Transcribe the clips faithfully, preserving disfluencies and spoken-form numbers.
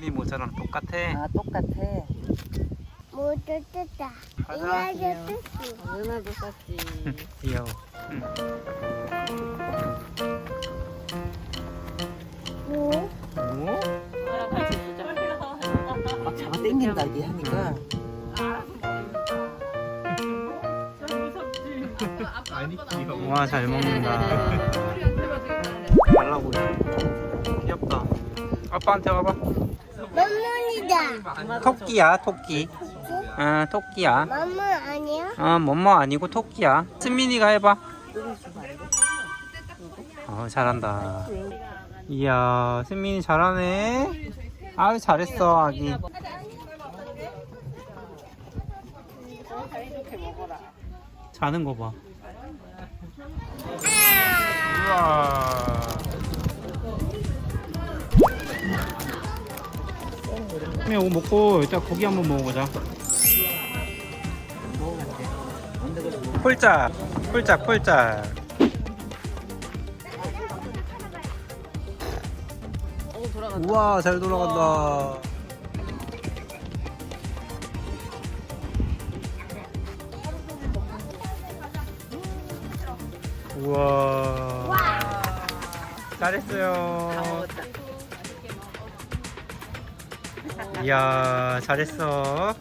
승민이 모자랑 똑같아. 아 똑같아. 모두 뜯다. 가자. 이나도 뜯지. 은하도 쌌지. 귀여워. 응. 뭐? 뭐? 막 잡아 당긴다 이게 하니까. 와, 잘 먹는다. 달라 보여. 귀엽다. 아빠한테 와봐. 맘몬이다. 토끼야, 토끼. 아, 토끼야. 맘몬 아니야? 아, 뭐뭐 아니고 토끼야. 승민이가 해봐. 어, 잘한다. 이야, 승민이 잘하네. 아유, 잘했어, 아기. 자는 거 봐. 우와. 승민이 이거 먹고 이따 고기 한번 먹어보자. 폴짝, 폴짝, 폴짝. 우와, 잘 돌아간다. 우와. 잘했어요. 이야, 잘했어.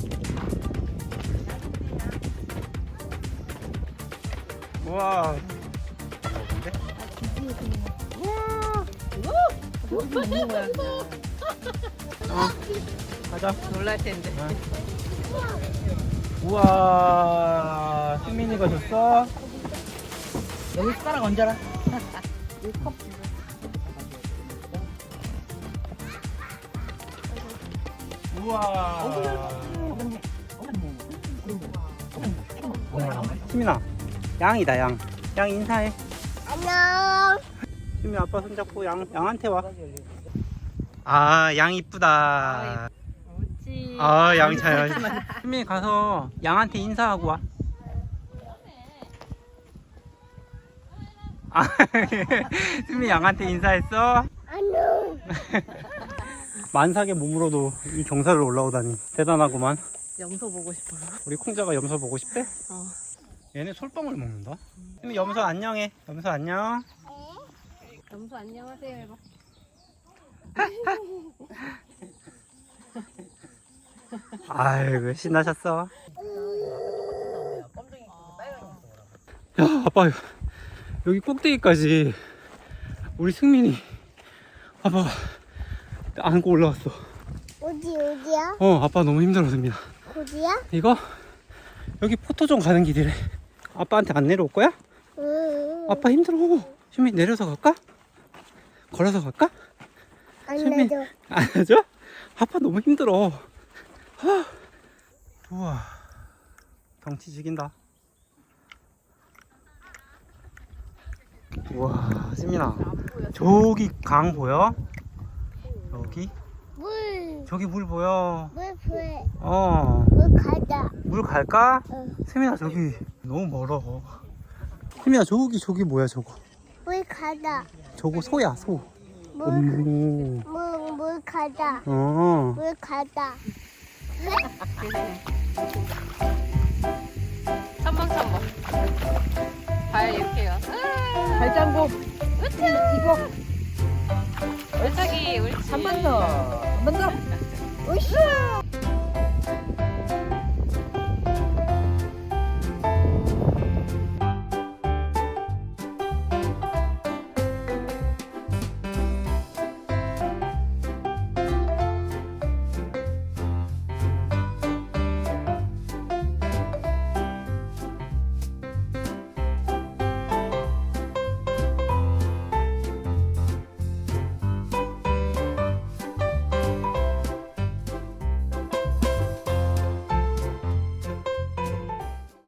우와. 먹은데? 어, 가자. 놀랄 텐데. 어. 우와, 승민이가 줬어? 여기 숟가락 얹어라. 이 컵. 우와. 승민아, 양이다, 양. 양 인사해. 안녕. 승민 아빠 손잡고 양, 양한테 와. 아, 양 이쁘다. 옳지. 아, 양 잘. 승민이 가서 양한테 인사하고 와. 아, 승민이 양한테 인사했어? 안녕. 만삭의 몸으로도 이 경사를 올라오다니 대단하구만. 염소 보고 싶어. 우리 콩자가 염소 보고 싶대? 어. 얘네 솔방울 먹는다. 승민 염소 안녕해. 염소 안녕. 염소 안녕하세요 해봐. 아이고, 신나셨어. 야, 아빠, 여기 꼭대기까지 우리 승민이 아빠 안고 올라왔어. 어디 어디야? 어, 아빠 너무 힘들었습니다. 어디야? 이거 여기 포토존 가는 길이래. 아빠한테 안 내려올 거야? 응. 아빠 힘들어. 승민 내려서 갈까? 걸어서 갈까? 안 승민 내줘. 안 해줘? 아빠 너무 힘들어. 하. 우와, 경치 죽인다. 우와, 승민아, 저기 강 보여? 여기? 물. 저기 물 보여. 물 불. 어, 물 가자. 물 갈까? 응. 승민아, 저기 너무 멀어. 승민아, 저기 저기 뭐야 저거? 물 가자. 저거 소야, 소. 물, 오. 물, 물 가자. 어. 물 가자. 첨벙첨벙. 발 이렇게 해요. 발장구. 으쌰. 이거. 옳짝이 옳지. 한 번 더. 한 번 더. 으쌰.